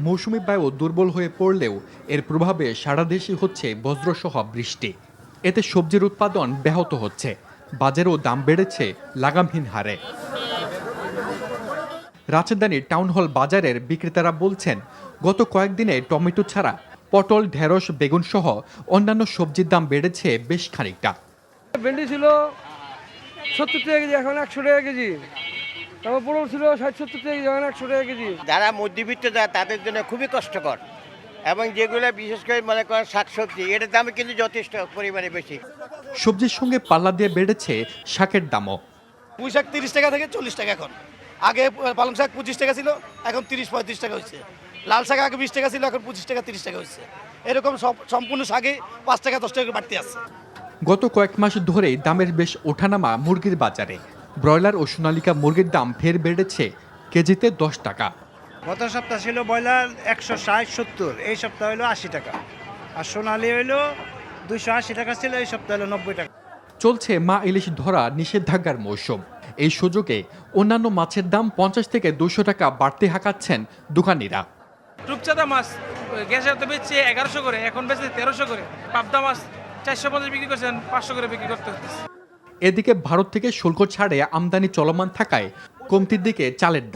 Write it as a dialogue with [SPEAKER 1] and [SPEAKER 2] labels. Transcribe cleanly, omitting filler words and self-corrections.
[SPEAKER 1] মৌসুমি বায়ু দুর্বল হয়ে পড়লেও এর প্রভাবে সারা দেশে হচ্ছে বজ্রসহ বৃষ্টি। এতে সবজির উৎপাদন ব্যাহত হচ্ছে, বাজারেও দাম বেড়েছে লাগামহীন হারে। রাজধানীর টাউন হল বাজারের বিক্রেতারা বলছেন, গত কয়েকদিনে টমেটো ছাড়া পটল, ঢেঁড়স, বেগুন সহ অন্যান্য সবজির দাম বেড়েছে বেশ খানিকটা।
[SPEAKER 2] ভেন্ডি ছিল 70 টাকা কেজি, এখন 100 টাকা কেজি। তারপর পটল ছিল 60-70 টাকা কেজি, এখন 100 টাকা কেজি।
[SPEAKER 3] যারা মধ্যবিত্ত যায় তাদের জন্য খুবই কষ্টকর, এবং যেগুলো বিশেষ করে মনে করেন শাকসবজি, এটার দাম কিন্তু যথেষ্ট পরিমাণে বেশি।
[SPEAKER 1] সবজির সঙ্গে পাল্লা দিয়ে বেড়েছে শাকের দামও।
[SPEAKER 4] পুঁই শাক 30 টাকা থেকে 40 টাকা এখন। আগে পালং শাক 25 টাকা ছিল, এখন 30-35 টাকা হয়েছে। লাল শাক আগে 20 টাকা ছিল, এখন 25 টাকা 30 টাকা হয়েছে। এরকম সম্পূর্ণ শাকে 5 টাকা 10 টাকা বাড়তি আছে।
[SPEAKER 1] গত কয়েক মাস ধরেই দামের বেশ ওঠানামা মুরগির বাজারে। ব্রয়লার ও সোনালিকা মুরগির দাম ফের বেড়েছে কেজিতে 10 টাকা।
[SPEAKER 5] গত সপ্তাহ ছিল ব্রয়লার 160-70, এই সপ্তাহ হলো 80 টাকা, আর সোনালি হইলো 280 টাকা ছিল, এই সপ্তাহ হলো 90 টাকা।
[SPEAKER 1] চলছে মা ইলিশ ধরা নিষেধাজ্ঞার মৌসুম। এই সুযোগে অন্যান্য মাছের দাম 50 থেকে 200 টাকা বাড়তি হাঁকাচ্ছেন দোকানিরা।
[SPEAKER 6] রূপচাঁদা মাছ গ্যাসের তো বেচছে 1100 করে, এখন বেচছে 1300 করে। পাবদা মাছ 450 বিক্রি করছেন, 500 করে বিক্রি করতে হচ্ছে।
[SPEAKER 1] এদিকে ভারত থেকে শুল্ক ছাড়ে আমদানি চলমান থাকায় কমতির দিকে চালের দাম।